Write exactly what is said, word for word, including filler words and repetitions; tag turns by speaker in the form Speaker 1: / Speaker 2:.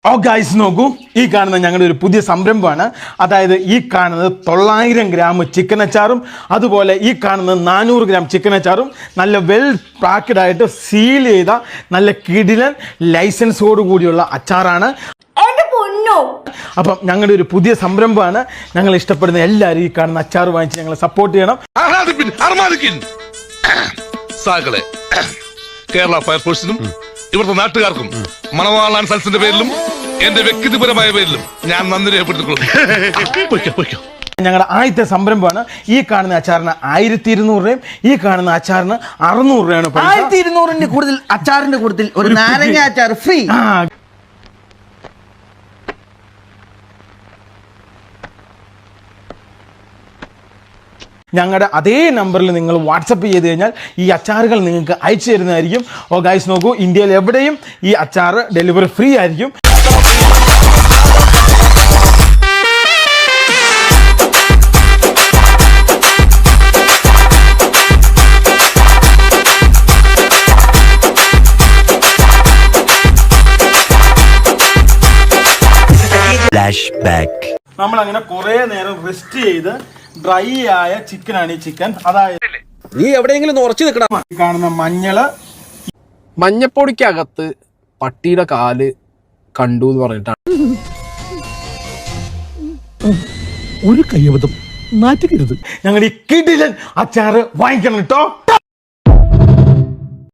Speaker 1: ഓ guys നോക്കൂ, ഈ കാണുന്ന ഞങ്ങളുടെ ഒരു പുതിയ സംരംഭമാണ്. അതായത് ഈ കാണുന്നത് തൊള്ളായിരം ഗ്രാം ചിക്കൻ അച്ചാറും അതുപോലെ ഈ കാണുന്നത് നാനൂറ് ഗ്രാം ചിക്കൻ അച്ചാറും നല്ല വെൽ പാക്കഡ് ആയിട്ട് സീൽ ചെയ്ത നല്ല കിടിലൻ ലൈസൻസോട് കൂടിയുള്ള അച്ചാറാണ്. അപ്പം ഞങ്ങളുടെ ഒരു പുതിയ സംരംഭമാണ്. ഞങ്ങൾ ഇഷ്ടപ്പെടുന്ന എല്ലാവരും ഈ കാണുന്ന അച്ചാർ വാങ്ങിച്ച് ഞങ്ങളെ സപ്പോർട്ട് ചെയ്യണം.
Speaker 2: കേരള ഫയർഫോഴ്സിനും ഇവിടുത്തെ നാട്ടുകാർക്കും മണവാളാൻ സൽസിന്റെ പേരിലും എന്റെ വ്യക്തിപരമായ പേരിലും ഞാൻ നന്ദി രേഖപ്പെടുത്തിക്കൊള്ളുന്നു.
Speaker 1: ഞങ്ങളുടെ ആദ്യത്തെ സംരംഭമാണ്. ഈ കാണുന്ന അച്ചാറിന് ആയിരത്തി ഇരുന്നൂറ് രൂപയും ഈ കാണുന്ന അച്ചാറിന് അറുന്നൂറ് രൂപയാണ്.
Speaker 3: ആയിരത്തി ഇരുന്നൂറിന്റെ കൂടുതൽ അച്ചാറിന്റെ കൂടുതൽ ഒരു നാരങ്ങ അച്ചാർ ഫ്രീ.
Speaker 1: ഞങ്ങളുടെ അതേ നമ്പറിൽ നിങ്ങൾ വാട്സപ്പ് ചെയ്ത് കഴിഞ്ഞാൽ ഈ അച്ചാറുകൾ നിങ്ങൾക്ക് അയച്ചു തരുന്നതായിരിക്കും. ഓ ഗൈസ് നോക്കൂ, ഇന്ത്യയിൽ എവിടെയും ഈ അച്ചാർ ഡെലിവറി ഫ്രീ ആയിരിക്കും. നമ്മൾ അങ്ങനെ കുറെ നേരം റെസ്റ്റ് ചെയ്ത് ഡ്രൈ ആയ ചിക്കനാണ് ഈ ചിക്കൻ. അതായത്
Speaker 4: നീ എവിടെയെങ്കിലും ഉറച്ചു നിൽക്കണം.
Speaker 1: കാണുന്ന മഞ്ഞള്,
Speaker 4: മഞ്ഞപ്പൊടിക്കകത്ത് പട്ടിയുടെ കാല് കണ്ടു എന്ന് പറഞ്ഞിട്ടാണ്.
Speaker 5: ഒരു കയ്യബദ്ധം നാറ്റുകരുത്.
Speaker 1: ഞങ്ങളുടെ ഈ കിടിലൻ അച്ചാറ് വാങ്ങിക്കണം കേട്ടോ.